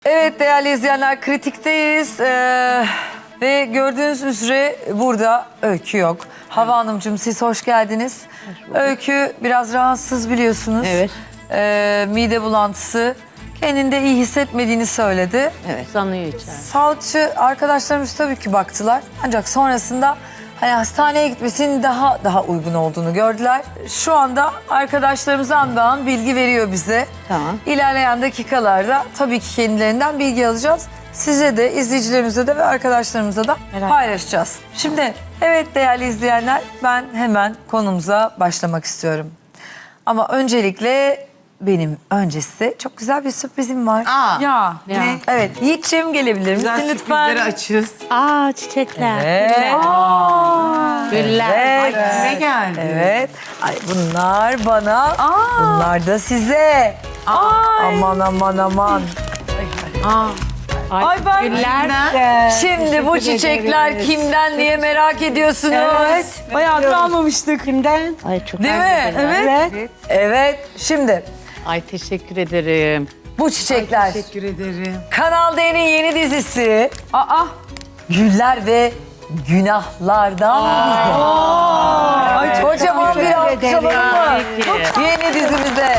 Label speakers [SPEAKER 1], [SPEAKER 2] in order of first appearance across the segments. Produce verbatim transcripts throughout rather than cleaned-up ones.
[SPEAKER 1] Evet değerli izleyenler, kritikteyiz ee, ve gördüğünüz üzere burada Öykü yok. Hava Hanımcığım, siz hoş geldiniz. Öykü biraz rahatsız biliyorsunuz.
[SPEAKER 2] Evet.
[SPEAKER 1] Ee, mide bulantısı, kendinde iyi hissetmediğini söyledi.
[SPEAKER 2] Evet. Sanıyor içeride.
[SPEAKER 1] Sağlıkçı arkadaşlarımız tabii ki baktılar, ancak sonrasında hani hastaneye gitmesinin daha daha uygun olduğunu gördüler. Şu anda arkadaşlarımızdan da bilgi veriyor bize.
[SPEAKER 2] Tamam.
[SPEAKER 1] İlerleyen dakikalarda tabii ki kendilerinden bilgi alacağız. Size de, izleyicilerimize de ve arkadaşlarımıza da paylaşacağız. Şimdi evet değerli izleyenler, ben hemen konumuza başlamak istiyorum. Ama öncelikle benim öncesi çok güzel bir sürprizim var.
[SPEAKER 3] Aa,
[SPEAKER 1] Ya.
[SPEAKER 2] Ya.
[SPEAKER 1] Ne? Evet, Yiğit'ciğim gelebilir misin
[SPEAKER 3] güzel
[SPEAKER 1] lütfen?
[SPEAKER 3] sürprizleri açığız.
[SPEAKER 2] Aa çiçekler.
[SPEAKER 1] Evet.
[SPEAKER 2] Güller.
[SPEAKER 1] Evet.
[SPEAKER 3] Ay, kime geldi?
[SPEAKER 1] Evet. Ay bunlar bana, bunlar da size. Aman aman aman.
[SPEAKER 2] Ay,
[SPEAKER 1] Ay ben-
[SPEAKER 2] güller.
[SPEAKER 1] Şimdi bu çiçekler kimden diye merak ediyorsunuz.
[SPEAKER 4] Evet. Bayağıdır almamıştık.
[SPEAKER 2] Kimden? Ay çok
[SPEAKER 1] Değil mi?
[SPEAKER 4] Evet.
[SPEAKER 1] Evet. Şimdi
[SPEAKER 2] Ay teşekkür ederim.
[SPEAKER 1] bu çiçekler
[SPEAKER 3] Teşekkür ederim.
[SPEAKER 1] Kanal D'nin yeni dizisi
[SPEAKER 4] Aa.
[SPEAKER 1] Güller ve Günahlardan bize.
[SPEAKER 4] Ay, çok
[SPEAKER 1] Kocaman bir alkış alalım mı?
[SPEAKER 2] Peki.
[SPEAKER 1] Yeni dizimize.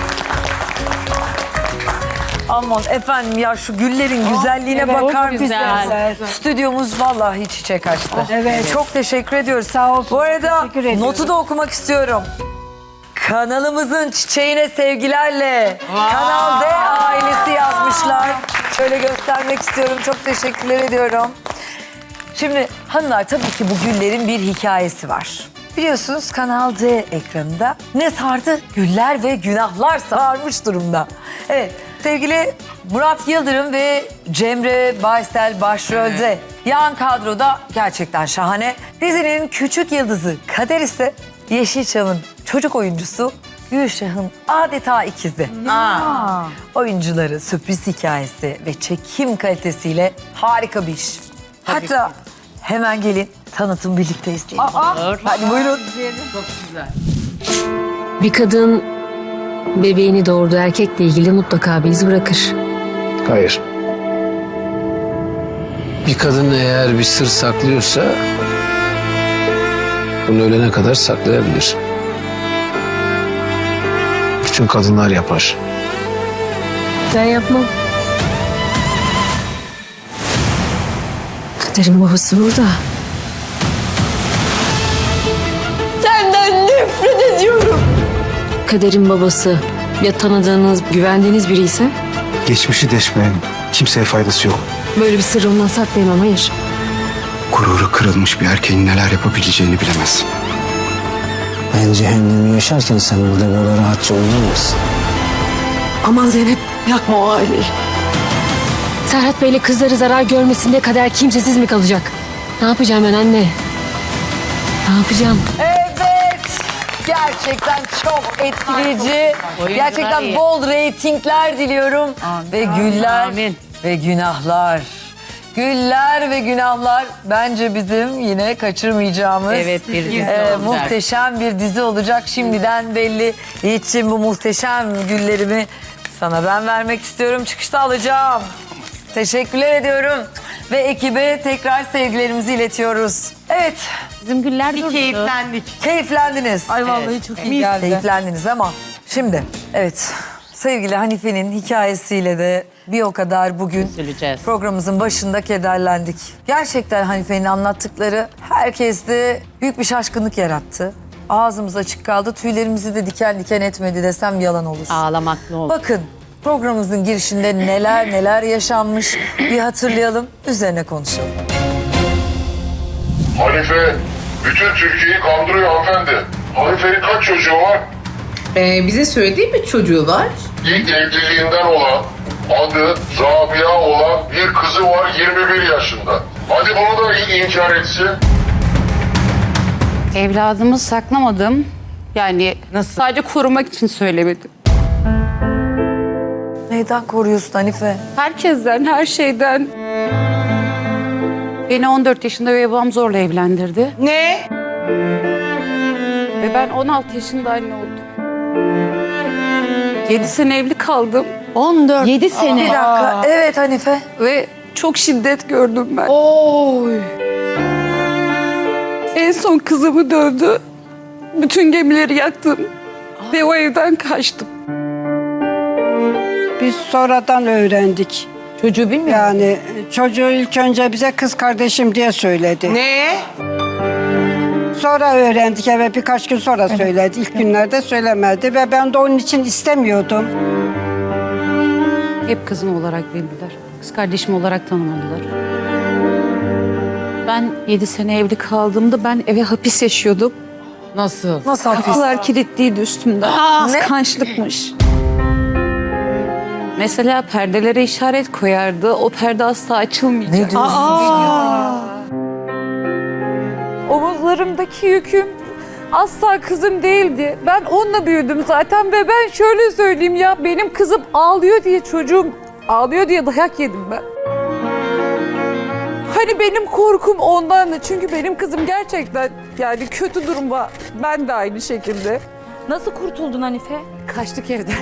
[SPEAKER 1] Aman efendim ya, şu güllerin güzelliğine
[SPEAKER 2] evet,
[SPEAKER 1] bakar
[SPEAKER 2] çok güzel.
[SPEAKER 1] mısınız? Stüdyomuz vallahi çiçek açtı.
[SPEAKER 4] Evet.
[SPEAKER 1] Çok teşekkür ediyoruz.
[SPEAKER 4] Sağ olsun,
[SPEAKER 1] Bu arada
[SPEAKER 4] teşekkür ediyoruz.
[SPEAKER 1] notu da okumak istiyorum. Kanalımızın çiçeğine sevgilerle Kanal D ailesi yazmışlar. Şöyle göstermek istiyorum. Çok teşekkürler ediyorum. Şimdi hanımlar, tabii ki bu güllerin bir hikayesi var. Biliyorsunuz Kanal D ekranında ne sardı? Güller ve günahlar sarmış durumda. Evet, sevgili Murat Yıldırım ve Cemre Baysel başrolde. Yan kadroda gerçekten şahane. Dizinin küçük yıldızı Kader ise Yeşilçam'ın çocuk oyuncusu Gülşah'ın adeta ikizi.
[SPEAKER 3] Aa.
[SPEAKER 1] Oyuncuları, sürpriz hikayesi ve çekim kalitesiyle harika bir iş. Hatta hemen gelin tanıtım birlikte izleyelim. Hadi buyurun.
[SPEAKER 3] Çok güzel.
[SPEAKER 5] Bir kadın bebeğini doğurduğu erkekle ilgili mutlaka bir iz bırakır.
[SPEAKER 6] Hayır. Bir kadın eğer bir sır saklıyorsa bunu ölene kadar saklayabilir. Bütün kadınlar yapar.
[SPEAKER 5] Ben yapmam. Kaderin babası burada. Senden nefret ediyorum. Kaderin babası ya tanıdığınız, güvendiğiniz biri ise
[SPEAKER 7] Geçmişi deşmeyen kimseye faydası yok.
[SPEAKER 5] böyle bir sırrı ondan saklayamam, hayır.
[SPEAKER 7] Gururu kırılmış bir erkeğin neler yapabileceğini bilemez.
[SPEAKER 8] Ben cehennemi yaşarken sen burada böyle rahatça uyuyamazsın.
[SPEAKER 5] Aman Zeynep, yakma o aileyi. Serhat Bey'le kızları zarar görmesine kadar kimsesiz mi kalacak? Ne yapacağım ben anne? Ne yapacağım?
[SPEAKER 1] Evet. Gerçekten çok etkileyici.
[SPEAKER 2] Oyuncular
[SPEAKER 1] Gerçekten
[SPEAKER 2] iyi.
[SPEAKER 1] bol reytingler diliyorum. Ve güller
[SPEAKER 2] Amin.
[SPEAKER 1] ve günahlar. Güller ve günahlar bence bizim yine kaçırmayacağımız
[SPEAKER 2] Evet, bir dizi
[SPEAKER 1] e,
[SPEAKER 2] olacak.
[SPEAKER 1] muhteşem bir dizi olacak. Şimdiden belli. Yiğit'ciğim, bu muhteşem güllerimi sana ben vermek istiyorum. Çıkışta alacağım. Teşekkürler ediyorum. Ve ekibe tekrar sevgilerimizi iletiyoruz. Evet,
[SPEAKER 2] Bizim güller
[SPEAKER 3] Bir
[SPEAKER 2] durdu.
[SPEAKER 3] keyiflendik.
[SPEAKER 1] keyiflendiniz.
[SPEAKER 4] Ay vallahi çok iyi geldi.
[SPEAKER 1] Keyiflendiniz ama şimdi evet, sevgili Hanife'nin hikayesiyle de bir o kadar bugün
[SPEAKER 2] Üzüleceğiz.
[SPEAKER 1] programımızın başında kederlendik. Gerçekten Hanife'nin anlattıkları herkeste büyük bir şaşkınlık yarattı. Ağzımız açık kaldı, tüylerimizi de diken diken etmedi desem yalan olur.
[SPEAKER 2] Ağlamak ne oldu?
[SPEAKER 1] Bakın, programımızın girişinde neler neler yaşanmış bir hatırlayalım, üzerine konuşalım.
[SPEAKER 9] Hanife bütün Türkiye'yi kandırıyor hanımefendi. Hanife'nin kaç çocuğu var?
[SPEAKER 3] Ee, bize söylediği bir çocuğu var.
[SPEAKER 9] İlk evliliğinden olan, adı Rabia olan bir kızı var yirmi bir yaşında. Hadi bunu da inkar etsin.
[SPEAKER 10] Evladımı saklamadım. Yani
[SPEAKER 3] Nasıl?
[SPEAKER 10] sadece korumak için söylemedim.
[SPEAKER 1] Neyden koruyorsun Hanife?
[SPEAKER 10] Herkesten, her şeyden. Beni on dört yaşında ve babam zorla evlendirdi.
[SPEAKER 3] Ne?
[SPEAKER 10] Ve ben on altı yaşında anne oldum. yedi sene evli kaldım.
[SPEAKER 1] on dört.
[SPEAKER 2] Yedi sene.
[SPEAKER 1] Bir dakika. Evet Hanife.
[SPEAKER 10] Ve çok şiddet gördüm ben.
[SPEAKER 1] Oy.
[SPEAKER 10] En son kızımı dövdü. Bütün gemileri yaktım. Ve o evden kaçtım.
[SPEAKER 11] Biz sonradan öğrendik.
[SPEAKER 1] Çocuğu bilmiyor musun?
[SPEAKER 11] Yani çocuğu ilk önce bize kız kardeşim diye söyledi.
[SPEAKER 3] Ne?
[SPEAKER 11] Sonra öğrendik, evet birkaç gün sonra söyledi. İlk günlerde söylemedi ve ben de onun için istemiyordum.
[SPEAKER 10] Hep kızım olarak bildiler. Kız kardeşim olarak tanımadılar. Ben yedi sene evli kaldığımda ben eve hapis yaşıyordum.
[SPEAKER 3] Nasıl?
[SPEAKER 1] Nasıl hapis?
[SPEAKER 10] Kapılar kilitliydi üstümden. Kıskançlıkmış. Mesela perdelere işaret koyardı. O perde asla açılmayacak.
[SPEAKER 1] Ne diyorsun?
[SPEAKER 4] Omuzlarımdaki yüküm asla kızım değildi. Ben onunla büyüdüm zaten ve ben şöyle söyleyeyim ya, benim kızım ağlıyor diye çocuğum ağlıyor diye dayak yedim ben. Hani benim korkum ondan da, çünkü benim kızım gerçekten yani kötü durumda. Ben de aynı şekilde.
[SPEAKER 12] Nasıl kurtuldun Hanife?
[SPEAKER 4] Kaçtık evden.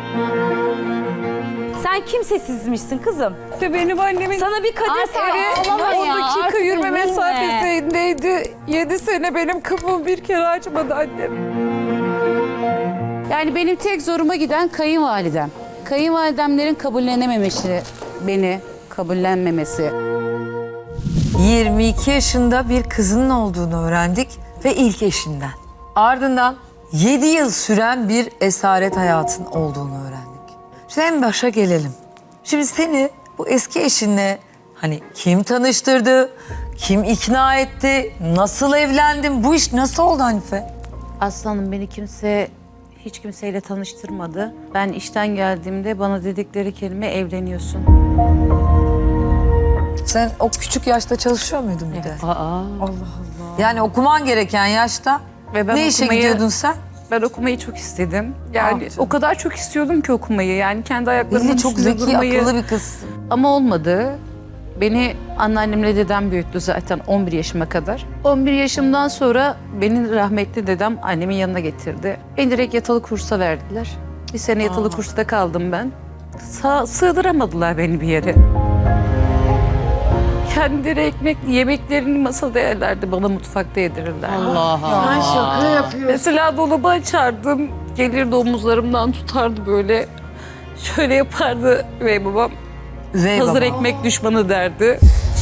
[SPEAKER 12] Sen kimsesizmişsin kızım.
[SPEAKER 4] İşte benim annemin
[SPEAKER 12] Sana bir kader
[SPEAKER 4] evi
[SPEAKER 12] ağlama ya,
[SPEAKER 4] on dakika
[SPEAKER 12] artık
[SPEAKER 4] yürüme
[SPEAKER 12] üzülme.
[SPEAKER 4] mesafesindeydi. Yedi sene benim kapımı bir kere açmadı annem.
[SPEAKER 10] Yani benim tek zoruma giden kayınvalidem. Kayınvalidemlerin kabullenememesi, beni kabullenmemesi.
[SPEAKER 1] yirmi iki yaşında bir kızının olduğunu öğrendik ve ilk eşinden. Ardından yedi yıl süren bir esaret hayatın olduğunu öğrendik. Şimdi en başa gelelim. Şimdi seni bu eski eşinle hani kim tanıştırdı, kim ikna etti, nasıl evlendin, bu iş nasıl oldu Hanife?
[SPEAKER 2] Aslanım beni kimse hiç kimseyle tanıştırmadı. Ben işten geldiğimde bana dedikleri kelime evleniyorsun.
[SPEAKER 1] Sen o küçük yaşta çalışıyor muydun bir de?
[SPEAKER 2] Aa.
[SPEAKER 1] Yani okuman gereken yaşta
[SPEAKER 10] Ve ben
[SPEAKER 1] ne işe
[SPEAKER 10] okumayı-
[SPEAKER 1] gidiyordun sen?
[SPEAKER 10] Ben okumayı çok istedim. Yani
[SPEAKER 1] yaptın?
[SPEAKER 10] o kadar çok istiyordum ki okumayı. Yani kendi ayaklarımın
[SPEAKER 1] Belli çok
[SPEAKER 10] üstünde
[SPEAKER 1] zeki,
[SPEAKER 10] durmayı.
[SPEAKER 1] akıllı bir kızsın.
[SPEAKER 10] Ama olmadı. Beni anneannemle dedem büyüttü zaten on bir yaşıma kadar. on bir yaşımdan sonra beni rahmetli dedem annemin yanına getirdi. Beni direkt yatılı kursa verdiler. Bir sene yatılı kursta kaldım ben. Sa sığdıramadılar beni bir yere. Kendileri ekmek, yemeklerini masada yerlerdi, bana mutfakta yedirirler.
[SPEAKER 2] Allah.
[SPEAKER 10] Mesela dolabı açardım, gelirdi omuzlarımdan tutardı böyle. Şöyle yapardı ve babam
[SPEAKER 1] Üvey
[SPEAKER 10] hazır
[SPEAKER 1] baba.
[SPEAKER 10] ekmek düşmanı derdi.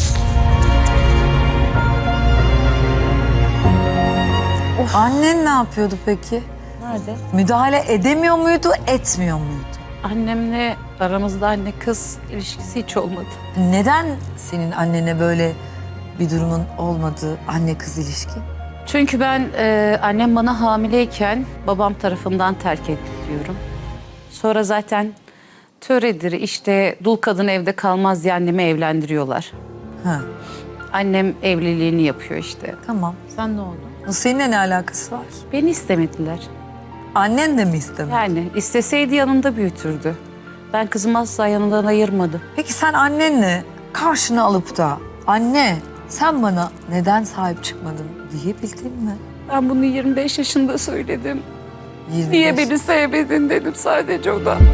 [SPEAKER 1] Annen ne yapıyordu peki?
[SPEAKER 2] Nerede?
[SPEAKER 1] Müdahale edemiyor muydu, etmiyor muydu?
[SPEAKER 10] Annemle aramızda anne kız ilişkisi hiç olmadı.
[SPEAKER 1] Neden senin annene böyle bir durumun olmadığı anne kız ilişki?
[SPEAKER 10] Çünkü ben e, annem bana hamileyken babam tarafından terk ediliyorum. Sonra zaten töredir işte dul kadın evde kalmaz diye annemi evlendiriyorlar.
[SPEAKER 1] Ha,
[SPEAKER 10] Annem evliliğini yapıyor işte.
[SPEAKER 1] tamam.
[SPEAKER 2] Sen ne oldu?
[SPEAKER 1] Bu seninle ne alakası var?
[SPEAKER 10] Beni istemediler.
[SPEAKER 1] Annen de mi istemedi?
[SPEAKER 10] Yani isteseydi yanında büyütürdü. Ben kızımı asla yanından ayırmadım.
[SPEAKER 1] Peki sen annenle karşına alıp da anne sen bana neden sahip çıkmadın diyebildin mi?
[SPEAKER 10] Ben bunu yirmi beş yaşında söyledim.
[SPEAKER 1] yirmi
[SPEAKER 10] Niye
[SPEAKER 1] beş.
[SPEAKER 10] beni sevmedin dedim sadece o da.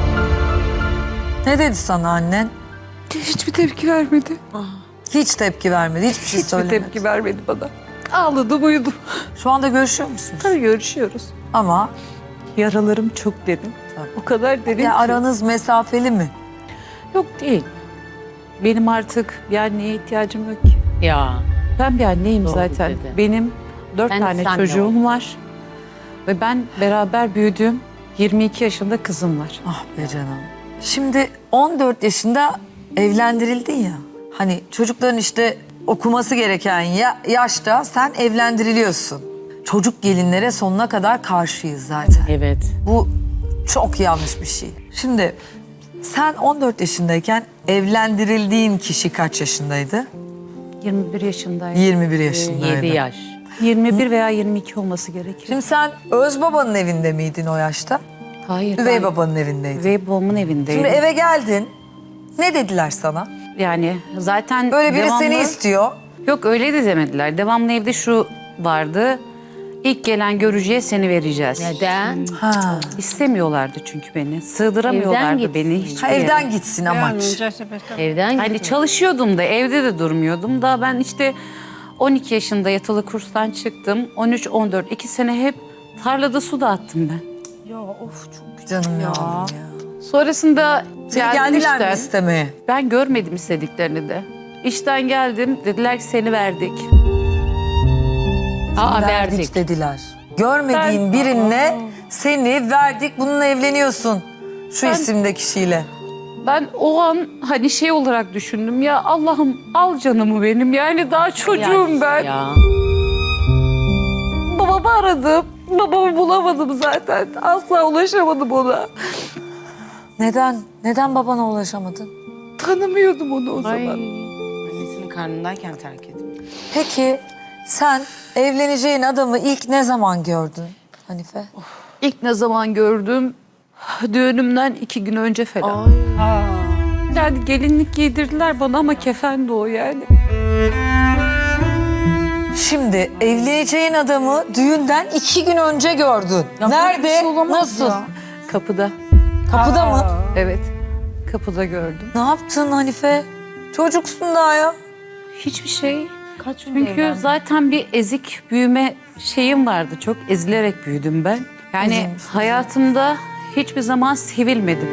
[SPEAKER 1] Ne dedi sana annen?
[SPEAKER 10] Hiçbir tepki vermedi.
[SPEAKER 1] Hiç tepki vermedi, hiçbir şey
[SPEAKER 10] Hiçbir
[SPEAKER 1] söylemedi.
[SPEAKER 10] tepki vermedi bana. Ağladım uyudum.
[SPEAKER 1] Şu anda görüşüyor musunuz?
[SPEAKER 10] Tabii görüşüyoruz.
[SPEAKER 1] Ama
[SPEAKER 10] Yaralarım çok derin.
[SPEAKER 1] Tabii.
[SPEAKER 10] O kadar derin
[SPEAKER 1] ya
[SPEAKER 10] ki.
[SPEAKER 1] aranız mesafeli mi?
[SPEAKER 10] Yok değil. Benim artık bir anneye ihtiyacım yok ki.
[SPEAKER 2] Ya.
[SPEAKER 10] Ben bir anneyim
[SPEAKER 2] Doğru
[SPEAKER 10] zaten.
[SPEAKER 2] dedi.
[SPEAKER 10] Benim dört
[SPEAKER 2] Ben de
[SPEAKER 10] tane
[SPEAKER 2] senle
[SPEAKER 10] çocuğum
[SPEAKER 2] oldum.
[SPEAKER 10] var. Ve ben beraber büyüdüğüm yirmi iki yaşında kızım var.
[SPEAKER 1] Ah be canım. Şimdi on dört yaşında evlendirildin ya. Hani çocukların işte okuması gereken ya, yaşta sen evlendiriliyorsun. Çocuk gelinlere sonuna kadar karşıyız zaten.
[SPEAKER 2] Evet.
[SPEAKER 1] Bu çok yanlış bir şey. Şimdi sen on dört yaşındayken evlendirildiğin kişi kaç yaşındaydı?
[SPEAKER 10] yirmi bir yaşındayım.
[SPEAKER 1] yirmi bir yaşındaydı.
[SPEAKER 2] yedi yaş.
[SPEAKER 10] yirmi bir veya yirmi iki olması gerekir.
[SPEAKER 1] Şimdi sen öz babanın evinde miydin o yaşta?
[SPEAKER 10] Hayır.
[SPEAKER 1] Üvey
[SPEAKER 10] ben
[SPEAKER 1] babanın evindeydin.
[SPEAKER 10] Üvey babamın evindeydim.
[SPEAKER 1] Şimdi eve geldin. Ne dediler sana?
[SPEAKER 10] Yani zaten
[SPEAKER 1] Böyle biri
[SPEAKER 10] devamlı...
[SPEAKER 1] seni istiyor.
[SPEAKER 10] Yok öyle de demediler. Devamlı evde şu vardı.
[SPEAKER 2] İlk gelen görücüye seni vereceğiz.
[SPEAKER 5] Neden?
[SPEAKER 1] Ha.
[SPEAKER 2] İstemiyorlardı çünkü beni. Sığdıramıyorlardı
[SPEAKER 5] Evden
[SPEAKER 2] beni
[SPEAKER 5] gitsin.
[SPEAKER 2] hiçbir
[SPEAKER 1] ha
[SPEAKER 2] yere.
[SPEAKER 1] evden gitsin amaç.
[SPEAKER 5] Evden
[SPEAKER 2] Hani
[SPEAKER 5] gitsin.
[SPEAKER 2] çalışıyordum da evde de durmuyordum. Daha ben işte on iki yaşında yatılı kurstan çıktım. on üç on dört iki sene hep tarlada su dağıttım ben.
[SPEAKER 1] Canım ya. ya.
[SPEAKER 2] Sonrasında
[SPEAKER 1] Seni
[SPEAKER 2] geldim
[SPEAKER 1] geldiler mi
[SPEAKER 2] işten.
[SPEAKER 1] istemeye?
[SPEAKER 2] Ben görmedim istediklerini de. İşten geldim. Dediler ki seni verdik.
[SPEAKER 5] Aa,
[SPEAKER 1] verdik,
[SPEAKER 5] verdik.
[SPEAKER 1] dediler. Görmediğin birine seni verdik, bununla evleniyorsun. Şu
[SPEAKER 2] Ben-
[SPEAKER 1] isimde kişiyle.
[SPEAKER 2] Ben o an hani şey olarak düşündüm ya Allah'ım al canımı benim. Yani daha çocuğum ben.
[SPEAKER 5] Ya.
[SPEAKER 4] Babamı aradım. Babamı bulamadım zaten. Asla ulaşamadım ona.
[SPEAKER 1] Neden? Neden babana ulaşamadın?
[SPEAKER 4] Tanımıyordum onu o
[SPEAKER 5] Ay.
[SPEAKER 4] zaman.
[SPEAKER 3] Annesinin karnındayken terk etmiş.
[SPEAKER 1] Peki sen evleneceğin adamı ilk ne zaman gördün Hanife?
[SPEAKER 2] İlk ne zaman gördüm? Düğünümden iki gün önce falan. Yani gelinlik giydirdiler bana ama kefendi o yani.
[SPEAKER 1] Şimdi evleneceğin adamı düğünden iki gün önce gördün. Nerede? Nasıl?
[SPEAKER 2] Kapıda.
[SPEAKER 1] Kapıda mı?
[SPEAKER 2] Evet. Kapıda gördüm.
[SPEAKER 1] Ne yaptın Hanife? Çocuksun daha ya.
[SPEAKER 2] Hiçbir şey.
[SPEAKER 12] Kaç
[SPEAKER 2] Çünkü zaten bir ezik büyüme şeyim vardı. Çok ezilerek büyüdüm ben. Yani
[SPEAKER 1] Ezilmiş,
[SPEAKER 2] hayatımda hiçbir zaman sevilmedim.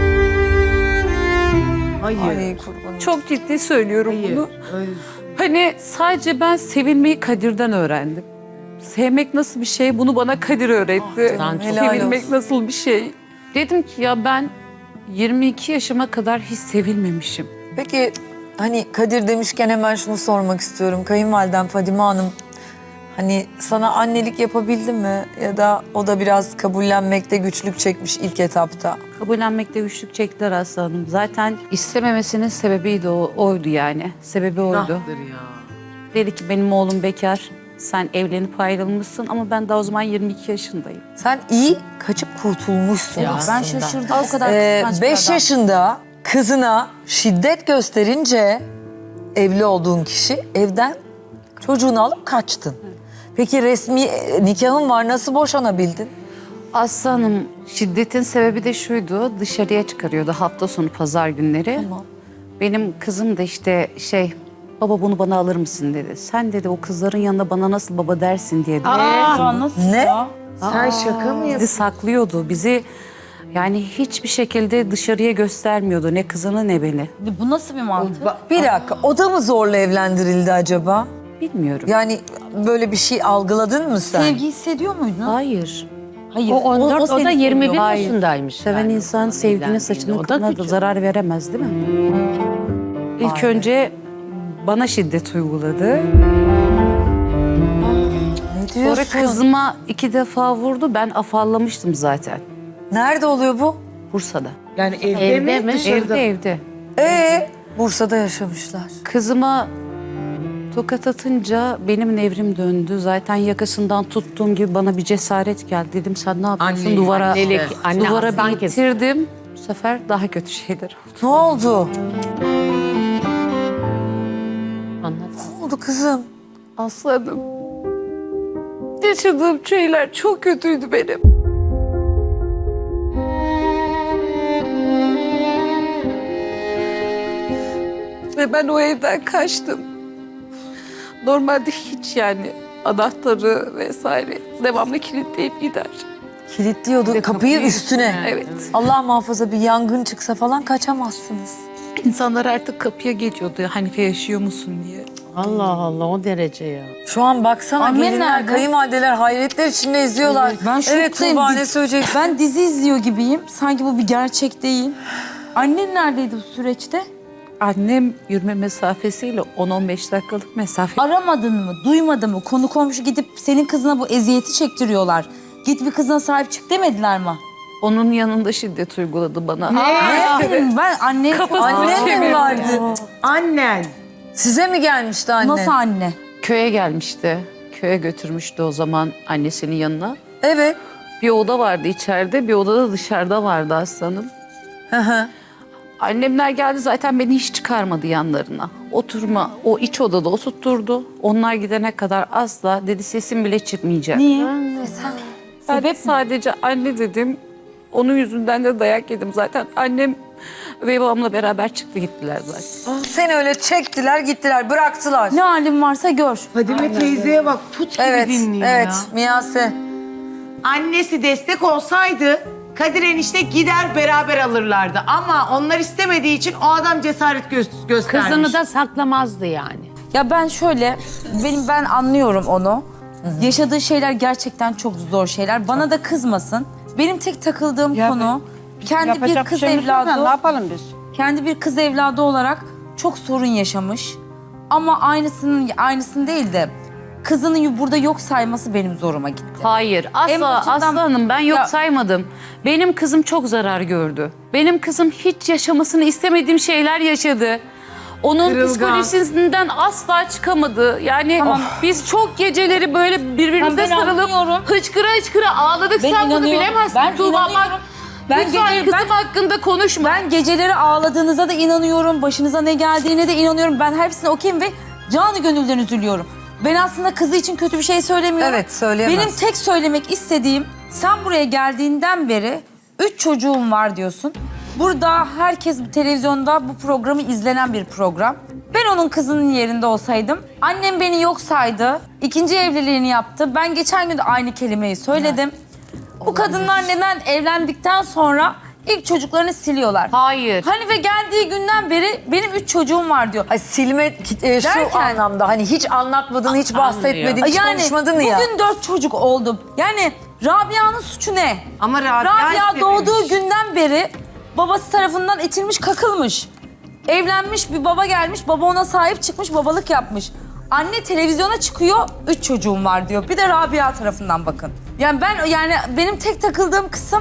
[SPEAKER 3] Hayır.
[SPEAKER 1] Ay kurbanım.
[SPEAKER 2] Çok ciddi söylüyorum
[SPEAKER 3] Hayır.
[SPEAKER 2] bunu.
[SPEAKER 3] Öyle.
[SPEAKER 2] Hani sadece ben sevilmeyi Kadir'den öğrendim. Sevmek nasıl bir şey bunu bana Kadir öğretti.
[SPEAKER 1] canım, helal
[SPEAKER 2] Sevilmek
[SPEAKER 1] olsun.
[SPEAKER 2] nasıl bir şey. Dedim ki ya ben yirmi iki yaşıma kadar hiç sevilmemişim.
[SPEAKER 1] Peki hani Kadir demişken hemen şunu sormak istiyorum. Kayınvalidem Fadime Hanım hani sana annelik yapabildi mi? Ya da o da biraz kabullenmekte güçlük çekmiş ilk etapta.
[SPEAKER 2] Kabullenmekte güçlük çektiler Aslı Hanım. Zaten istememesinin sebebi de o, oydu yani. Sebebi oydu.
[SPEAKER 3] Günahtır ya.
[SPEAKER 2] Dedi ki benim oğlum bekar. Sen evlenip ayrılmışsın ama ben daha o zaman yirmi iki yaşındayım.
[SPEAKER 1] Sen iyi kaçıp kurtulmuşsun
[SPEAKER 12] Ya
[SPEAKER 1] aslında.
[SPEAKER 12] ben şaşırdım o kadar
[SPEAKER 1] Ee,
[SPEAKER 12] kıskanç bir
[SPEAKER 1] beş
[SPEAKER 12] adam.
[SPEAKER 1] yaşında kızına şiddet gösterince evli olduğun kişi evden çocuğunu alıp kaçtın. Peki resmi e, nikahın var, nasıl boşanabildin?
[SPEAKER 2] Aslı Hanım şiddetin sebebi de şuydu. Dışarıya çıkarıyordu hafta sonu pazar günleri.
[SPEAKER 1] Tamam.
[SPEAKER 2] Benim kızım da işte şey baba bunu bana alır mısın dedi. Sen dedi o kızların yanında bana nasıl baba dersin diye.
[SPEAKER 12] Aa, nasıl
[SPEAKER 1] Ne?
[SPEAKER 12] ya?
[SPEAKER 3] Sen şaka mı
[SPEAKER 2] Bizi saklıyordu. Bizi yani hiçbir şekilde dışarıya göstermiyordu. Ne kızını ne beni.
[SPEAKER 12] Bu nasıl bir mantık?
[SPEAKER 1] Bir dakika, o da mı zorla evlendirildi acaba?
[SPEAKER 2] Bilmiyorum.
[SPEAKER 1] Yani böyle bir şey algıladın mı sen?
[SPEAKER 12] Sevgi hissediyor muydun?
[SPEAKER 2] Hayır.
[SPEAKER 12] Hayır.
[SPEAKER 5] O on dört, o, da
[SPEAKER 12] seni
[SPEAKER 5] yirmi bir
[SPEAKER 12] seviyor.
[SPEAKER 2] Hayır.
[SPEAKER 5] yaşındaymış.
[SPEAKER 2] Seven
[SPEAKER 5] yani.
[SPEAKER 2] insan sevdiğine
[SPEAKER 5] Evlendiğinde.
[SPEAKER 2] saçına
[SPEAKER 5] O da
[SPEAKER 2] kılına da
[SPEAKER 5] küçük.
[SPEAKER 2] zarar veremez değil mi? İlk önce bana şiddet uyguladı.
[SPEAKER 1] Ne diyorsun?
[SPEAKER 2] Sonra kızıma iki defa vurdu. Ben afallamıştım zaten.
[SPEAKER 1] Nerede oluyor bu?
[SPEAKER 2] Bursa'da.
[SPEAKER 3] Yani evde,
[SPEAKER 5] Evde
[SPEAKER 3] mi?
[SPEAKER 5] mi?
[SPEAKER 3] Dışarıda.
[SPEAKER 2] Evde evde.
[SPEAKER 1] Ee, Bursa'da yaşamışlar.
[SPEAKER 2] Kızıma tokat atınca benim nevrim döndü. Zaten yakasından tuttuğum gibi bana bir cesaret geldi. Dedim sen ne yapıyorsun?
[SPEAKER 3] Anne,
[SPEAKER 2] duvara
[SPEAKER 3] annelik,
[SPEAKER 5] anne
[SPEAKER 2] duvara
[SPEAKER 5] aslan
[SPEAKER 2] bir itirdim. Bu sefer daha kötü şeyler oldu.
[SPEAKER 1] Ne oldu?
[SPEAKER 5] Anlat.
[SPEAKER 1] Ne oldu kızım?
[SPEAKER 2] Aslanım. Yaşadığım şeyler çok kötüydü benim. Ve ben o evden kaçtım. Normalde hiç yani anahtarı vesaire devamlı kilitleyip gider.
[SPEAKER 1] Kilitliyordu kapıyı üstüne.
[SPEAKER 2] Evet.
[SPEAKER 1] Allah muhafaza bir yangın çıksa falan kaçamazsınız.
[SPEAKER 2] İnsanlar artık kapıya geliyordu. Hanife yaşıyor musun diye.
[SPEAKER 5] Allah Allah o derece ya.
[SPEAKER 1] Şu an baksana
[SPEAKER 12] Annen
[SPEAKER 1] gelinler,
[SPEAKER 12] nerede?
[SPEAKER 1] kayınvalideler hayretler içinde izliyorlar.
[SPEAKER 12] Ben
[SPEAKER 1] Evet
[SPEAKER 12] şoktayım.
[SPEAKER 1] Tuğba ne söyleyeceksin?
[SPEAKER 12] Ben dizi izliyor gibiyim. Sanki bu bir gerçek değil. Annen neredeydi bu süreçte?
[SPEAKER 2] Annem yürüme mesafesiyle on on beş dakikalık mesafe.
[SPEAKER 12] Aramadın mı? Duymadın mı? Konu komşu gidip senin kızına bu eziyeti çektiriyorlar. Git bir kızına sahip çık demediler mi?
[SPEAKER 2] Onun yanında şiddet uyguladı bana.
[SPEAKER 12] Aa, ben anne...
[SPEAKER 2] Kafasını
[SPEAKER 1] Annen mi
[SPEAKER 2] çevirdi.
[SPEAKER 1] vardı?
[SPEAKER 3] Annen.
[SPEAKER 1] Size mi gelmişti anne?
[SPEAKER 12] Nasıl anne?
[SPEAKER 2] Köye gelmişti. Köye götürmüştü o zaman annesinin yanına.
[SPEAKER 1] Evet.
[SPEAKER 2] Bir oda vardı içeride, bir oda da dışarıda vardı aslanım.
[SPEAKER 1] Hı hı.
[SPEAKER 2] Annemler geldi zaten beni hiç çıkarmadı yanlarına. Oturma, o iç odada oturtturdu. Onlar gidene kadar asla dedi sesim bile çıkmayacak.
[SPEAKER 12] Niye?
[SPEAKER 2] Ben de sadece anne dedim. Onun yüzünden de dayak yedim zaten. Annem ve babamla beraber çıktı gittiler zaten.
[SPEAKER 1] Seni öyle çektiler gittiler bıraktılar.
[SPEAKER 12] Ne halin varsa gör.
[SPEAKER 3] Fadime teyzeye bak put gibi
[SPEAKER 1] Evet,
[SPEAKER 3] dinliyor
[SPEAKER 1] evet
[SPEAKER 3] ya.
[SPEAKER 1] Miyase.
[SPEAKER 3] Annesi destek olsaydı Kadir enişte gider beraber alırlardı. Ama onlar istemediği için o adam cesaret gö- göstermiş.
[SPEAKER 13] Kızını da saklamazdı yani.
[SPEAKER 12] Ya ben şöyle, benim ben anlıyorum onu. Yaşadığı şeyler gerçekten çok zor şeyler. Bana da kızmasın. Benim tek takıldığım
[SPEAKER 11] Ya
[SPEAKER 12] konu kendi bir
[SPEAKER 11] Yapacak
[SPEAKER 12] kız
[SPEAKER 11] şeyimiz yok ya,
[SPEAKER 12] evladı.
[SPEAKER 11] Ne yapalım biz?
[SPEAKER 12] Kendi bir kız evladı olarak çok sorun yaşamış. Ama aynısının aynısını değil de kızının burada yok sayması benim zoruma gitti.
[SPEAKER 10] Hayır,
[SPEAKER 12] En
[SPEAKER 10] asla
[SPEAKER 12] başından-
[SPEAKER 10] Aslı Hanım ben yok
[SPEAKER 12] Ya-
[SPEAKER 10] saymadım. Benim kızım çok zarar gördü. Benim kızım hiç yaşamasını istemediğim şeyler yaşadı. Onun
[SPEAKER 3] Kırılgan.
[SPEAKER 10] psikolojisinden asla çıkamadı. Yani biz çok geceleri böyle birbirimize
[SPEAKER 12] Ben
[SPEAKER 10] sarılıp
[SPEAKER 12] anlıyorum.
[SPEAKER 10] hıçkıra hıçkıra ağladık.
[SPEAKER 12] Ben
[SPEAKER 10] Sen bunu
[SPEAKER 12] inanıyorum.
[SPEAKER 10] bilemezsin
[SPEAKER 12] Ben
[SPEAKER 10] Tuğba. Bak,
[SPEAKER 12] inanıyorum. Ben
[SPEAKER 10] lütfen
[SPEAKER 12] gece-
[SPEAKER 10] kızım
[SPEAKER 12] ben-
[SPEAKER 10] hakkında konuşma.
[SPEAKER 12] Ben geceleri ağladığınıza da inanıyorum. Başınıza ne geldiğine de inanıyorum. Ben hepsine okeyim ve canı gönülden üzülüyorum. Ben aslında kızı için kötü bir şey söylemiyorum.
[SPEAKER 1] Evet, söyleyemez.
[SPEAKER 12] Benim tek söylemek istediğim, sen buraya geldiğinden beri üç çocuğum var diyorsun. Burada herkes televizyonda bu programı izlenen bir program. Ben onun kızının yerinde olsaydım, annem beni yok saydı, ikinci evliliğini yaptı. Ben geçen gün de aynı kelimeyi söyledim. Bu kadınlar neden evlendikten sonra ilk çocuklarını siliyorlar?
[SPEAKER 10] Hayır.
[SPEAKER 12] Hanife geldiği günden beri benim üç çocuğum var diyor.
[SPEAKER 1] Ay silme e, şu
[SPEAKER 12] Derken-
[SPEAKER 1] anlamda hani hiç anlatmadın, hiç bahsetmedin, hiç
[SPEAKER 12] Yani
[SPEAKER 1] konuşmadın ya.
[SPEAKER 12] bugün dört çocuk oldu. Yani Rabia'nın suçu ne?
[SPEAKER 3] Ama Rabia,
[SPEAKER 12] Rabia
[SPEAKER 3] istememiş.
[SPEAKER 12] doğduğu günden beri babası tarafından itilmiş, kakılmış. Evlenmiş bir baba gelmiş, baba ona sahip çıkmış, babalık yapmış. Anne televizyona çıkıyor, üç çocuğum var diyor. Bir de Rabia tarafından bakın. Yani ben yani benim tek takıldığım kısım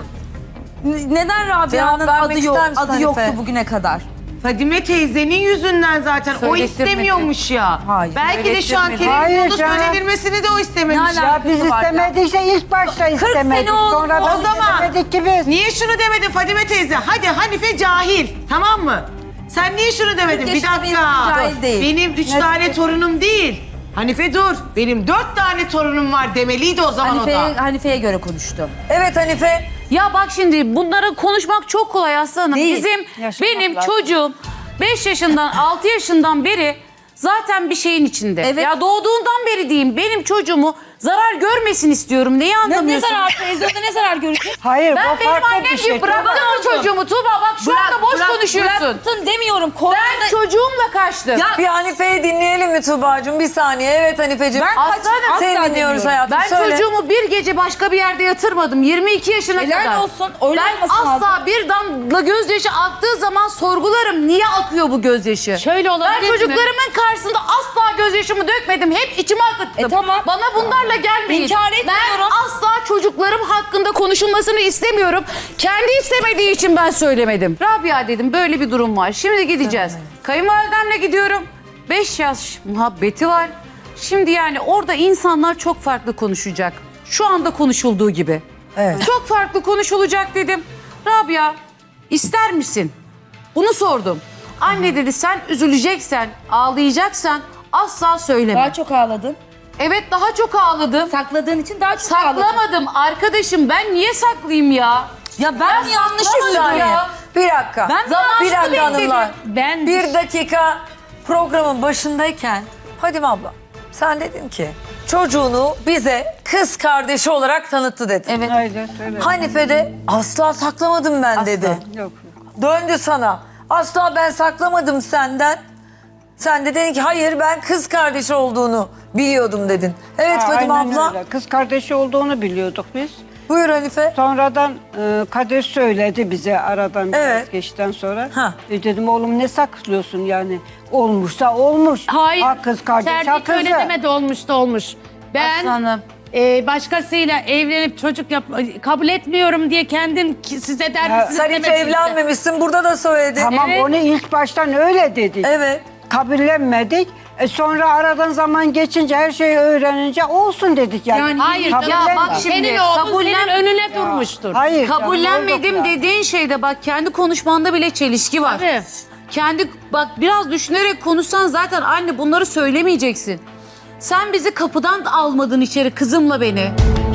[SPEAKER 12] n- neden Rabia'nın
[SPEAKER 1] Cevap vermek
[SPEAKER 12] adı yok,
[SPEAKER 1] ister misin
[SPEAKER 12] adı
[SPEAKER 1] Hanife?
[SPEAKER 12] yoktu bugüne kadar.
[SPEAKER 3] Fadime teyzenin yüzünden zaten o
[SPEAKER 10] Söyletirmedi.
[SPEAKER 3] istemiyormuş ya.
[SPEAKER 12] Hayır,
[SPEAKER 3] Belki de şu an
[SPEAKER 12] söyletirmedi.
[SPEAKER 11] Hayır
[SPEAKER 3] televizyonda
[SPEAKER 11] canım.
[SPEAKER 3] söylenilmesini de o istememiş.
[SPEAKER 12] Ne
[SPEAKER 11] Ya
[SPEAKER 12] alakası
[SPEAKER 11] biz
[SPEAKER 12] var ya?
[SPEAKER 11] istemediyse ilk başta istemedik.
[SPEAKER 12] oldu.
[SPEAKER 11] Sonradan
[SPEAKER 3] O zaman-
[SPEAKER 11] istemedik ki biz.
[SPEAKER 3] Niye şunu demedin Fadime teyze? Hadi Hanife cahil, tamam mı? Sen niye şunu demedin?
[SPEAKER 12] kırk
[SPEAKER 3] Bir
[SPEAKER 12] yaşında bir
[SPEAKER 3] dakika.
[SPEAKER 12] insan cahil değil.
[SPEAKER 3] Benim üç tane torunum değil. Hanife dur. Benim dört tane torunum var demeliydi o zaman o
[SPEAKER 12] Hanife'ye,
[SPEAKER 3] da.
[SPEAKER 12] Hanife'ye göre konuştu.
[SPEAKER 1] Evet Hanife.
[SPEAKER 10] Ya bak şimdi bunları konuşmak çok kolay aslanım.
[SPEAKER 1] Değil.
[SPEAKER 10] Bizim,
[SPEAKER 11] Yaşamak
[SPEAKER 10] benim
[SPEAKER 11] lazım.
[SPEAKER 10] çocuğum beş yaşından altı yaşından beri zaten bir şeyin içinde.
[SPEAKER 12] Evet.
[SPEAKER 10] Ya doğduğundan beri diyeyim benim çocuğumu zarar görmesin istiyorum. Neyi
[SPEAKER 12] Ne, ne
[SPEAKER 10] anlamıyorsun?
[SPEAKER 12] zarar televizyonda ne zarar görecek?
[SPEAKER 11] Hayır
[SPEAKER 10] Ben
[SPEAKER 11] bu
[SPEAKER 10] benim
[SPEAKER 11] farklı
[SPEAKER 10] annem
[SPEAKER 11] bir şey.
[SPEAKER 10] gibi bıraktım o çocuğumu Tuğba. Bak şu
[SPEAKER 12] Bırak,
[SPEAKER 10] anda boş
[SPEAKER 12] bırak,
[SPEAKER 10] konuşuyorsun.
[SPEAKER 12] Bıraktın demiyorum.
[SPEAKER 10] Ben
[SPEAKER 12] Korktuğunda-
[SPEAKER 10] çocuğumla kaçtım.
[SPEAKER 12] Ya
[SPEAKER 1] Bir Hanife'yi dinleyelim mi Tuğba'cığım? Bir saniye. Evet Hanife'ciğim.
[SPEAKER 12] Ben kaç- asla
[SPEAKER 1] Seni dinliyoruz
[SPEAKER 12] dinliyorum.
[SPEAKER 1] hayatım.
[SPEAKER 10] Ben
[SPEAKER 1] Söyle.
[SPEAKER 10] çocuğumu bir gece başka bir yerde yatırmadım. yirmi iki yaşına
[SPEAKER 12] Helal
[SPEAKER 10] kadar.
[SPEAKER 12] olsun, öyle
[SPEAKER 10] Ben
[SPEAKER 12] olması
[SPEAKER 10] asla
[SPEAKER 12] lazım.
[SPEAKER 10] bir damla gözyaşı aktığı zaman sorgularım. Niye akıyor bu gözyaşı?
[SPEAKER 13] Şöyle olabilir
[SPEAKER 10] Ben
[SPEAKER 13] mi?
[SPEAKER 10] çocuklarımın karşısında asla gözyaşımı dökmedim. Hep içime akıttım.
[SPEAKER 12] E tamam.
[SPEAKER 10] Bana bunlarla gelmeyin.
[SPEAKER 12] İnkar etmiyorum.
[SPEAKER 10] Ben asla çocuklarım hakkında konuşulmasını istemiyorum. Kendi istemediği için ben söylemedim. Rabia dedim böyle bir durum var. Şimdi gideceğiz. Kayınvalidemle gidiyorum. Beş yaş muhabbeti var. Şimdi yani orada insanlar çok farklı konuşacak. Şu anda konuşulduğu gibi.
[SPEAKER 1] Evet.
[SPEAKER 10] Çok farklı konuşulacak dedim. Rabia ister misin? Bunu sordum. Anne dedi sen üzüleceksen, ağlayacaksan asla söyleme.
[SPEAKER 12] daha çok ağladın.
[SPEAKER 10] Evet daha çok ağladım.
[SPEAKER 12] Sakladığın için daha çok ağladın.
[SPEAKER 10] Saklamadım arkadaşım ben niye saklayayım ya?
[SPEAKER 12] Ya ben mi yanlış
[SPEAKER 1] Bir
[SPEAKER 10] saklamadım
[SPEAKER 12] mı
[SPEAKER 1] saniye.
[SPEAKER 10] ya.
[SPEAKER 1] Bir dakika.
[SPEAKER 12] Ben
[SPEAKER 10] Zamanında
[SPEAKER 1] bir dakika
[SPEAKER 10] bekledim.
[SPEAKER 1] hanımlar.
[SPEAKER 13] Ben
[SPEAKER 1] Bir dakika programın başındayken Fadime abla sen dedin ki çocuğunu bize kız kardeşi olarak tanıttı dedin.
[SPEAKER 12] Evet.
[SPEAKER 11] Öyle söyle.
[SPEAKER 1] Hanife de asla saklamadım ben dedi.
[SPEAKER 11] Yok.
[SPEAKER 1] Döndü sana. Asla ben saklamadım senden. Sen de dedin ki hayır ben kız kardeşi olduğunu biliyordum dedin. Evet
[SPEAKER 11] Aa,
[SPEAKER 1] Fadime
[SPEAKER 11] aynen
[SPEAKER 1] abla.
[SPEAKER 11] öyle. Kız kardeşi olduğunu biliyorduk biz.
[SPEAKER 1] Buyur Hanife.
[SPEAKER 11] Sonradan e, Kadir söyledi bize aradan biraz
[SPEAKER 1] Evet.
[SPEAKER 11] geçten sonra.
[SPEAKER 1] Ha.
[SPEAKER 11] E, dedim oğlum ne saklıyorsun yani? Olmuşsa olmuş.
[SPEAKER 13] Hayır.
[SPEAKER 11] Ha kız kardeş ha
[SPEAKER 13] Serdik
[SPEAKER 11] kızı.
[SPEAKER 13] öyle demedi olmuş da olmuş. Ben
[SPEAKER 12] Aslanım.
[SPEAKER 13] e, başkasıyla evlenip çocuk yap kabul etmiyorum diye kendin ki- size der
[SPEAKER 11] Ya,
[SPEAKER 13] misiniz
[SPEAKER 1] Sen hiç
[SPEAKER 13] demedim size.
[SPEAKER 1] evlenmemişsin burada da söyledin.
[SPEAKER 11] Tamam
[SPEAKER 13] Evet.
[SPEAKER 11] onu ilk baştan öyle dedik.
[SPEAKER 1] Evet.
[SPEAKER 11] Kabullenmedik. E sonra aradan zaman geçince her şeyi öğrenince olsun dedik yani.
[SPEAKER 12] Yani
[SPEAKER 13] Hayır
[SPEAKER 11] Kabul
[SPEAKER 13] ya
[SPEAKER 11] etme.
[SPEAKER 13] bak senin oğlun
[SPEAKER 2] kabullen-
[SPEAKER 13] senin önüne durmuştur.
[SPEAKER 11] Hayır.
[SPEAKER 2] Kabullenmedim
[SPEAKER 11] canım, oldu
[SPEAKER 2] dediğin şeyde bak kendi konuşmanda bile çelişki var.
[SPEAKER 13] Tabii.
[SPEAKER 2] Kendi bak biraz düşünerek konuşsan zaten anne bunları söylemeyeceksin. Sen bizi kapıdan almadın içeri kızımla beni.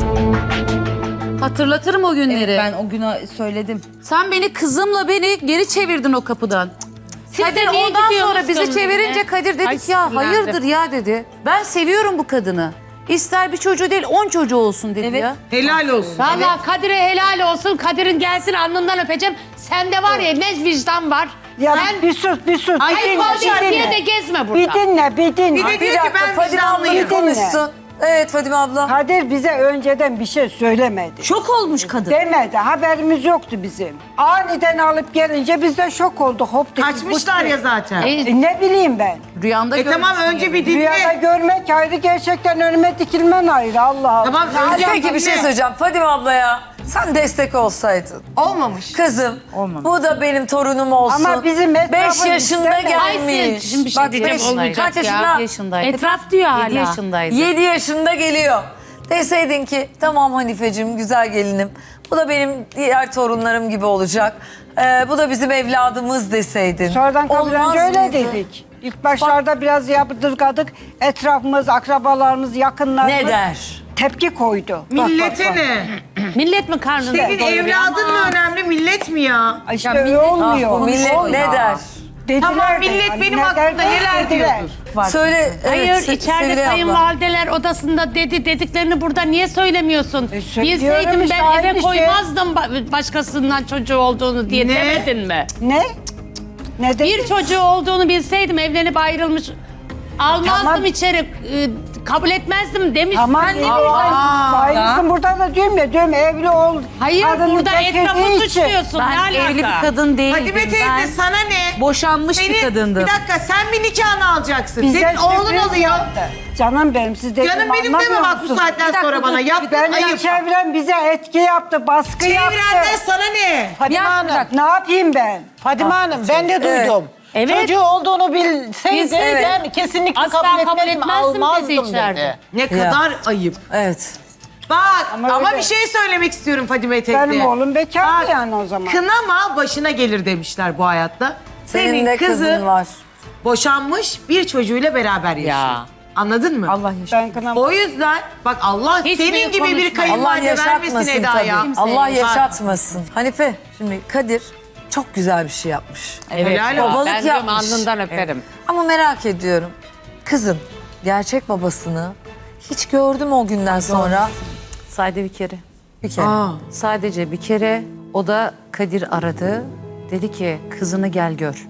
[SPEAKER 2] Hatırlatırım o günleri.
[SPEAKER 12] Evet, ben o güne söyledim.
[SPEAKER 2] Sen beni kızımla beni geri çevirdin o kapıdan.
[SPEAKER 13] Siz
[SPEAKER 2] Kadir
[SPEAKER 13] de niye
[SPEAKER 2] ondan sonra
[SPEAKER 13] gidiyorsunuz
[SPEAKER 2] bizi çevirince
[SPEAKER 13] benimle?
[SPEAKER 2] Kadir dedik
[SPEAKER 13] Ay,
[SPEAKER 2] ya
[SPEAKER 13] sinirlendim.
[SPEAKER 2] hayırdır ya dedi. Ben seviyorum bu kadını. İster bir çocuğu değil on çocuğu olsun dedi
[SPEAKER 12] Evet.
[SPEAKER 2] ya.
[SPEAKER 3] Helal olsun.
[SPEAKER 13] Valla Kadir'e helal olsun. Kadir'in gelsin alnından öpeceğim. Sende var ya ne vicdan var.
[SPEAKER 11] Ya
[SPEAKER 13] Sen
[SPEAKER 11] bir sus bir sus.
[SPEAKER 3] Ay,
[SPEAKER 11] bir
[SPEAKER 13] ayıp
[SPEAKER 11] dinle,
[SPEAKER 13] olacak
[SPEAKER 11] bir
[SPEAKER 13] diye
[SPEAKER 11] dinle.
[SPEAKER 13] de gezme burada.
[SPEAKER 11] Bir dinle bir dinle.
[SPEAKER 3] Bir de
[SPEAKER 1] Bir
[SPEAKER 3] diyor ki
[SPEAKER 1] dakika
[SPEAKER 3] ben
[SPEAKER 1] Fadime abla bir
[SPEAKER 3] vicdanlıyım.
[SPEAKER 1] konuşsun. Evet Fadime abla.
[SPEAKER 11] Kadir bize önceden bir şey söylemedi.
[SPEAKER 2] Şok olmuş kadın.
[SPEAKER 11] Demedi. Haberimiz yoktu bizim. Aniden alıp gelince biz de şok olduk. Hop dedik.
[SPEAKER 3] Kaçmışlar
[SPEAKER 11] bu-
[SPEAKER 3] ya zaten.
[SPEAKER 13] E,
[SPEAKER 11] E, ne bileyim ben.
[SPEAKER 2] Rüyanda
[SPEAKER 3] E tamam önce bir
[SPEAKER 11] Rüyada
[SPEAKER 3] dinle.
[SPEAKER 11] görmek ayrı, gerçekten önüme dikilmen ayrı. Allah Allah.
[SPEAKER 3] Tamam
[SPEAKER 1] Ya
[SPEAKER 3] önce
[SPEAKER 1] peki bir şey
[SPEAKER 3] dinle.
[SPEAKER 1] söyleyeceğim. Fadime ablaya sen destek olsaydın.
[SPEAKER 3] Olmamış.
[SPEAKER 1] Kızım bu da benim torunum olsun.
[SPEAKER 11] Ama bizim etrafımız
[SPEAKER 1] beş yaşında
[SPEAKER 11] istemedi.
[SPEAKER 1] gelmiş.
[SPEAKER 13] Ay, şimdi bir şey
[SPEAKER 1] Bak
[SPEAKER 13] diyeceğim,
[SPEAKER 1] beş,
[SPEAKER 13] olmayacak
[SPEAKER 1] kaç
[SPEAKER 2] ya.
[SPEAKER 1] yaşında?
[SPEAKER 2] yedi yaşındaydı.
[SPEAKER 13] Etraf diyor hala.
[SPEAKER 2] yedi yaşındaydı.
[SPEAKER 1] yedi yaşında geliyor. Deseydin ki tamam Hanifeciğim güzel gelinim. Bu da benim diğer torunlarım gibi olacak. Ee, bu da bizim evladımız deseydin.
[SPEAKER 11] Sonradan
[SPEAKER 1] Olmaz
[SPEAKER 11] kabullenince öyle
[SPEAKER 1] mıydı?
[SPEAKER 11] dedik. İlk başlarda biraz yaptırgadık. Etrafımız, akrabalarımız, yakınlarımız
[SPEAKER 1] Ne der?
[SPEAKER 11] tepki koydu. Bak, bak,
[SPEAKER 3] Millete
[SPEAKER 11] bak.
[SPEAKER 3] ne?
[SPEAKER 13] Millet mi karnında?
[SPEAKER 3] Senin evladın mı önemli, millet mi ya?
[SPEAKER 11] Ay İşte öyle olmuyor.
[SPEAKER 1] Ah, bu millet
[SPEAKER 11] Olmuyor.
[SPEAKER 1] ne der?
[SPEAKER 11] Dediler
[SPEAKER 3] Tamam,
[SPEAKER 11] de,
[SPEAKER 3] millet
[SPEAKER 11] hani
[SPEAKER 3] benim
[SPEAKER 11] ne
[SPEAKER 3] hakkımda
[SPEAKER 11] der,
[SPEAKER 3] neler
[SPEAKER 11] dediler.
[SPEAKER 3] diyordur.
[SPEAKER 1] Söyle.
[SPEAKER 13] Hayır
[SPEAKER 1] evet, Se-
[SPEAKER 13] içeride
[SPEAKER 1] Sevilay abla.
[SPEAKER 13] kayınvalideler odasında dedi dediklerini burada niye söylemiyorsun?
[SPEAKER 11] E, söylüyorum
[SPEAKER 13] Bilseydim
[SPEAKER 11] işte,
[SPEAKER 13] ben
[SPEAKER 11] aynı
[SPEAKER 13] eve
[SPEAKER 11] şey.
[SPEAKER 13] koymazdım ba- başkasından çocuğu olduğunu diye
[SPEAKER 3] Ne?
[SPEAKER 13] demedin mi?
[SPEAKER 11] Ne? Ne dedi?
[SPEAKER 13] Bir çocuğu olduğunu bilseydim evlenip ayrılmış almazdım
[SPEAKER 11] Tamam.
[SPEAKER 13] içeri e, kabul etmezdim demiş.
[SPEAKER 11] Tamam.
[SPEAKER 13] Ben ne
[SPEAKER 11] Aa,
[SPEAKER 13] bileyim.
[SPEAKER 11] Saygısın burada da diyorum ya, diyorum evli ol.
[SPEAKER 13] Hayır
[SPEAKER 11] kadını
[SPEAKER 13] burada
[SPEAKER 11] beklediği
[SPEAKER 13] etrafı
[SPEAKER 11] için.
[SPEAKER 13] suçluyorsun.
[SPEAKER 2] Ben
[SPEAKER 13] ne alaka?
[SPEAKER 2] evli bir kadın değildim.
[SPEAKER 3] Hadi be teyze
[SPEAKER 2] Ben
[SPEAKER 3] sana ne?
[SPEAKER 2] boşanmış bir
[SPEAKER 3] Senin-
[SPEAKER 2] kadındım.
[SPEAKER 3] Bir dakika sen bir nikahını alacaksın.
[SPEAKER 11] Bize
[SPEAKER 3] Senin oğlun
[SPEAKER 11] sürpriz
[SPEAKER 3] alıyor.
[SPEAKER 11] yaptı. Canım benim, siz dediğimi
[SPEAKER 3] Canım benim deme
[SPEAKER 11] anlamıyor
[SPEAKER 3] bak bu
[SPEAKER 11] musun?
[SPEAKER 3] saatten
[SPEAKER 11] Bir dakika,
[SPEAKER 3] sonra bana.
[SPEAKER 11] dur.
[SPEAKER 3] Yaptın
[SPEAKER 11] Benden
[SPEAKER 3] ayıp.
[SPEAKER 11] çevrem bize etki yaptı, baskı
[SPEAKER 3] Çevrenden
[SPEAKER 11] yaptı.
[SPEAKER 3] sana ne?
[SPEAKER 11] Fadime
[SPEAKER 12] Ya,
[SPEAKER 11] Hanım,
[SPEAKER 12] bırak.
[SPEAKER 11] ne yapayım ben?
[SPEAKER 14] Fadime Hanım ben de duydum.
[SPEAKER 13] Evet.
[SPEAKER 14] Çocuğu olduğunu bilseydi
[SPEAKER 13] Bilseydi.
[SPEAKER 14] ben kesinlikle
[SPEAKER 13] Asla
[SPEAKER 14] kabul
[SPEAKER 13] kabul
[SPEAKER 14] etmezdim,
[SPEAKER 13] etmezdim dedi
[SPEAKER 14] almazdım
[SPEAKER 13] içeride.
[SPEAKER 14] dedi.
[SPEAKER 3] Ne kadar ayıp.
[SPEAKER 1] Evet.
[SPEAKER 3] Bak ama,
[SPEAKER 11] Ama öyle.
[SPEAKER 3] bir şey söylemek istiyorum Fadime teyze.
[SPEAKER 11] Benim oğlum bekar
[SPEAKER 3] Bak,
[SPEAKER 11] yani o zaman.
[SPEAKER 3] Kınama başına gelir demişler bu hayatta.
[SPEAKER 1] Senin
[SPEAKER 3] Senin
[SPEAKER 1] de kızın
[SPEAKER 3] kızın
[SPEAKER 1] var.
[SPEAKER 3] boşanmış bir çocuğuyla beraber yaşıyor.
[SPEAKER 13] Ya.
[SPEAKER 3] Anladın mı?
[SPEAKER 12] Allah yaşa.
[SPEAKER 11] Ben kınam.
[SPEAKER 3] O yüzden bak Allah
[SPEAKER 13] Hiçbiri
[SPEAKER 3] senin gibi bir
[SPEAKER 13] konuşmayın.
[SPEAKER 1] Allah
[SPEAKER 3] kayınvalide vermesin
[SPEAKER 1] yaşatmasın
[SPEAKER 3] Eda'ya.
[SPEAKER 1] tabii. Allah
[SPEAKER 3] Bak,
[SPEAKER 1] yaşatmasın. Hanife şimdi Kadir çok güzel bir şey yapmış.
[SPEAKER 3] Helal olsun.
[SPEAKER 1] Babalık
[SPEAKER 13] Ben diyorum
[SPEAKER 1] yapmış.
[SPEAKER 13] alnından öperim.
[SPEAKER 1] Ama merak ediyorum. Kızın gerçek babasını hiç gördüm o günden sonra.
[SPEAKER 2] Sadece bir kere.
[SPEAKER 1] Bir kere.
[SPEAKER 2] Sadece bir kere o da Kadir aradı. Dedi ki kızını gel gör.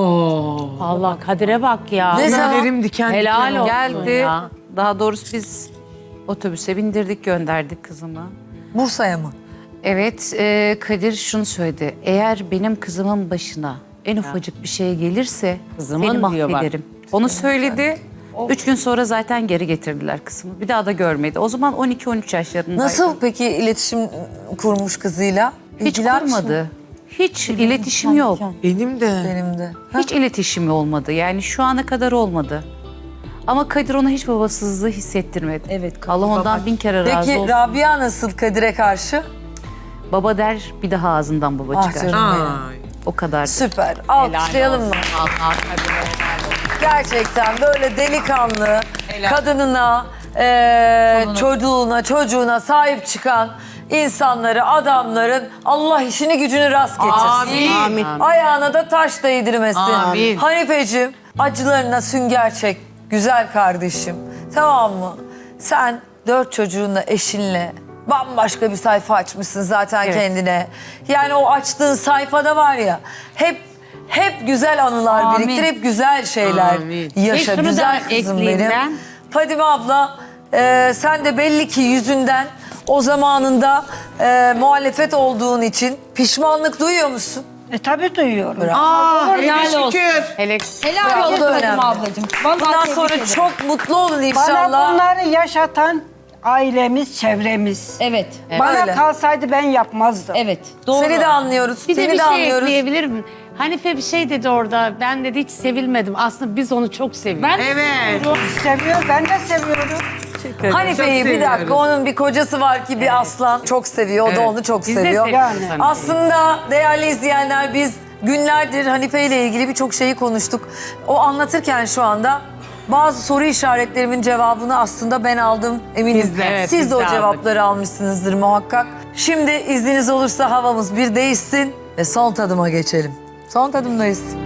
[SPEAKER 13] Allah Kadir'e bak ya.
[SPEAKER 1] Ne zaman?
[SPEAKER 3] Tüylerim diken
[SPEAKER 13] Helal
[SPEAKER 3] diken
[SPEAKER 13] olsun
[SPEAKER 2] Geldi.
[SPEAKER 13] ya.
[SPEAKER 2] Daha doğrusu biz otobüse bindirdik gönderdik kızımı.
[SPEAKER 1] Bursa'ya mı?
[SPEAKER 2] Evet e, Kadir şunu söyledi. Eğer benim kızımın başına en ufacık bir şey gelirse
[SPEAKER 13] Kızımın
[SPEAKER 2] seni
[SPEAKER 13] diyor bak.
[SPEAKER 2] mahvederim. Onu söyledi. Üç gün sonra zaten geri getirdiler kızımı. Bir daha da görmedi. O zaman on iki on üç yaşlarındaydı.
[SPEAKER 1] Nasıl peki iletişim kurmuş kızıyla?
[SPEAKER 2] Hiç
[SPEAKER 1] İlgiler misin?
[SPEAKER 2] kurmadı. Hiç iletişim yok.
[SPEAKER 3] Benim de.
[SPEAKER 1] Benim de.
[SPEAKER 2] Hiç iletişimi olmadı. Yani şu ana kadar olmadı. Ama Kadir ona hiç babasızlığı hissettirmedi.
[SPEAKER 12] Evet,
[SPEAKER 2] Allah ondan bin kere razı
[SPEAKER 1] Peki
[SPEAKER 2] olsun.
[SPEAKER 1] Rabia nasıl Kadir'e karşı?
[SPEAKER 2] Baba der bir daha ağzından baba
[SPEAKER 1] Ah
[SPEAKER 2] çıkar.
[SPEAKER 1] canım benim.
[SPEAKER 3] Ay.
[SPEAKER 2] O kadar.
[SPEAKER 1] Süper. Alkışlayalım mı? Gerçekten böyle delikanlı, kadınına, eee, çocuğuna, çocuğuna sahip çıkan insanları, adamların Allah işini gücünü rast getirsin.
[SPEAKER 3] Amin. Amin.
[SPEAKER 1] Ayağına da taş değdirmesin.
[SPEAKER 3] Amin.
[SPEAKER 1] Hanifeciğim, acılarına sünger çek güzel kardeşim. Tamam mı? Sen dört çocuğunla, eşinle bambaşka bir sayfa açmışsın zaten
[SPEAKER 2] Evet.
[SPEAKER 1] kendine. Yani o açtığın sayfada var ya, hep hep güzel anılar
[SPEAKER 12] Amin.
[SPEAKER 1] biriktir, hep güzel şeyler
[SPEAKER 3] Amin.
[SPEAKER 1] yaşa.
[SPEAKER 13] Ve şunu
[SPEAKER 1] Güzel
[SPEAKER 13] da
[SPEAKER 1] kızım
[SPEAKER 13] ekleyeyim
[SPEAKER 1] benim.
[SPEAKER 13] ben.
[SPEAKER 1] Fadime abla, e, sen de belli ki yüzünden o zamanında e, muhalefet olduğun için pişmanlık duyuyor musun?
[SPEAKER 11] E tabii duyuyorum.
[SPEAKER 3] Aa, hele
[SPEAKER 12] helal olsun.
[SPEAKER 3] şükür.
[SPEAKER 13] Hele
[SPEAKER 12] Helal
[SPEAKER 1] Bravo,
[SPEAKER 12] olsun
[SPEAKER 1] da
[SPEAKER 12] Fadime
[SPEAKER 1] önemli.
[SPEAKER 12] ablacığım. Vallahi
[SPEAKER 1] Bundan
[SPEAKER 12] tebrik
[SPEAKER 1] sonra
[SPEAKER 12] ederim.
[SPEAKER 1] çok mutlu olun
[SPEAKER 11] Bana
[SPEAKER 1] inşallah.
[SPEAKER 11] bunları yaşatan ailemiz, çevremiz.
[SPEAKER 12] Evet.
[SPEAKER 11] Bana
[SPEAKER 1] Öyle.
[SPEAKER 11] kalsaydı ben yapmazdım.
[SPEAKER 12] Evet. Doğru.
[SPEAKER 1] Seni de anlıyoruz,
[SPEAKER 13] bir de
[SPEAKER 1] seni
[SPEAKER 13] bir
[SPEAKER 1] de
[SPEAKER 13] şey
[SPEAKER 1] anlıyoruz.
[SPEAKER 13] ekleyebilirim. Hanife bir şey dedi orada. Ben dedi hiç sevilmedim. Aslında biz onu çok seviyoruz.
[SPEAKER 12] Ben
[SPEAKER 3] Evet.
[SPEAKER 11] Seviyor, ben de seviyorum.
[SPEAKER 1] Hanife'yi
[SPEAKER 3] Çok
[SPEAKER 1] bir dakika,
[SPEAKER 3] seviyoruz.
[SPEAKER 1] onun bir kocası var ki bir aslan çok seviyor. O da
[SPEAKER 3] Evet.
[SPEAKER 1] onu çok
[SPEAKER 13] Biz de
[SPEAKER 1] seviyor.
[SPEAKER 13] seviyoruz
[SPEAKER 11] Yani.
[SPEAKER 13] Hanife'yi.
[SPEAKER 1] Aslında değerli izleyenler, biz günlerdir Hanife ile ilgili birçok şeyi konuştuk. O anlatırken şu anda bazı soru işaretlerimin cevabını aslında ben aldım, eminim.
[SPEAKER 3] Biz de, evet,
[SPEAKER 1] Siz
[SPEAKER 3] biz
[SPEAKER 1] de o
[SPEAKER 3] de aldık.
[SPEAKER 1] cevapları almışsınızdır muhakkak. Şimdi izniniz olursa havamız bir değişsin ve son tadıma geçelim. Son tadımdayız.